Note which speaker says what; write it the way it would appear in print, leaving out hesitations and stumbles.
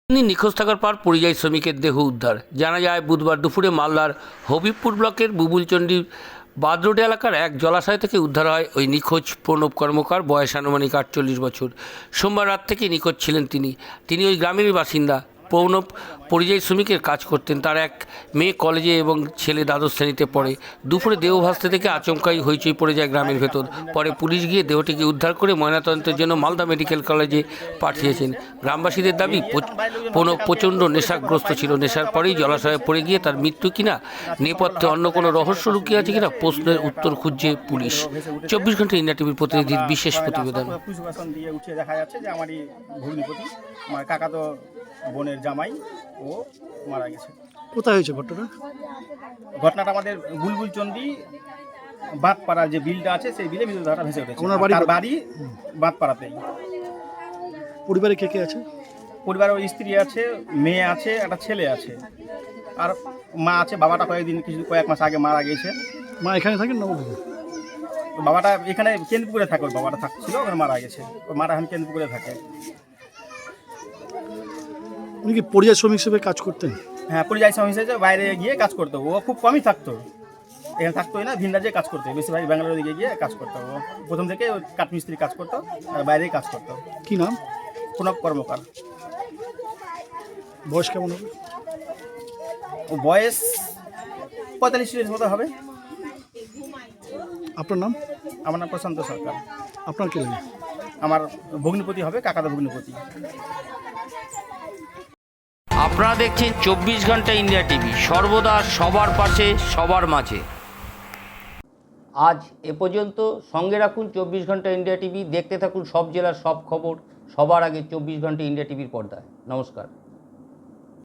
Speaker 1: নিখোঁজ থাকার পর পরিযায়ী শ্রমিকের দেহ উদ্ধার। জানা যায় বুধবার দুপুরে মালদার হবিবপুর ব্লকের বুবুলচন্ডী বাদরোড এলাকার এক জলাশয় থেকে উদ্ধার হয় ওই নিখোঁজ প্রণব কর্মকার, বয়স আনুমানিক 48 বছর। সোমবার রাত থেকে নিখোঁজ ছিলেন তিনি ওই গ্রামেরই বাসিন্দা। প্রণব পরিযায়ী শ্রমিকের কাজ করতেন। তার এক মেয়ে কলেজে এবং ছেলে দ্বাদশ শ্রেণীতে পড়ে। দুপুরে দেহ ভাসতে থেকে আচমকাই হইচই পড়ে যায় গ্রামের ভেতর। পরে পুলিশ গিয়ে দেহটিকে উদ্ধার করে ময়নাতদন্তের জন্য মালদা মেডিকেল কলেজে পাঠিয়েছেন। গ্রামবাসীদের দাবি প্রণব প্রচণ্ড নেশাগ্রস্ত ছিল। নেশার পরেই জলাশয়ে পড়ে গিয়ে তার মৃত্যু কিনা, নেপথ্যে অন্য কোনো রহস্য লুকিয়ে আছে কিনা প্রশ্নের উত্তর খুঁজছে পুলিশ। 24 ঘন্টা ইন্ডিয়া টিভির প্রতিনিধির বিশেষ প্রতিবেদন।
Speaker 2: দেখা যাচ্ছে যে আমারই ভগ্নিপতি, আমার কাকা তো বোনের জামাই, ও মারা গেছে।
Speaker 3: কোথায় হয়েছে
Speaker 2: ঘটনাটা আমাদের বুলবুলচন্ডী বাঁধপাড়া যে বিলটা আছে সেই বিলে বিদ্যুৎ ভেসে উঠেছে।
Speaker 3: ওনার
Speaker 2: বাড়ি বাঁধপাড়াতেই।
Speaker 3: পরিবারে কে কে আছে?
Speaker 2: পরিবারে ওর স্ত্রী আছে, মেয়ে আছে, একটা ছেলে আছে, আর মা আছে। বাবাটা কয়েক মাস আগে মারা গেছে।
Speaker 3: মা এখানে থাকেন নবদ্বীপে?
Speaker 2: বাবাটা এখানে কেন্দ্রপুরে থাকে। ওর বাবাটা থাকছিল, ওখানে মারা গেছে। ওর মারা এখন কেন্দ্রপুরে থাকে।
Speaker 3: উনি কি পরিযায়ী শ্রমিক হিসেবে কাজ করতেন?
Speaker 2: হ্যাঁ, পরিযায়ী শ্রমিক হিসেবে বাইরে গিয়ে কাজ করতো। ও খুব কমই থাকতো, এখানে থাকতোই না। ভিন রাজ্যে কাজ করতো, বেশিরভাগ ব্যাঙ্গালোর দিকে গিয়ে কাজ করতো। ও প্রথম থেকে কাঠমিস্ত্রি কাজ করতো আর বাইরেই কাজ করতো।
Speaker 3: কি নাম?
Speaker 2: প্রণব কর্মকার।
Speaker 3: বয়স কেমন হবে?
Speaker 2: ও বয়স 45-40 মতো হবে।
Speaker 3: আপনার নাম?
Speaker 2: আমার নাম প্রশান্ত সরকার।
Speaker 3: আপনার কে লাগে?
Speaker 2: আমার ভগ্নিপতি হবে, কাকাদা ভগ্নিপতি।
Speaker 1: আপনারা দেখছেন 24 ঘন্টা ইন্ডিয়া টিভি, সর্বদা সবার পাশে, সবার মাঝে। আজ এ পর্যন্ত। সঙ্গে রাখুন 24 ঘন্টা ইন্ডিয়া টিভি। দেখতে থাকুন সব জেলার সব খবর সবার আগে 24 ঘন্টা ইন্ডিয়া টিভির পর্দায়। নমস্কার।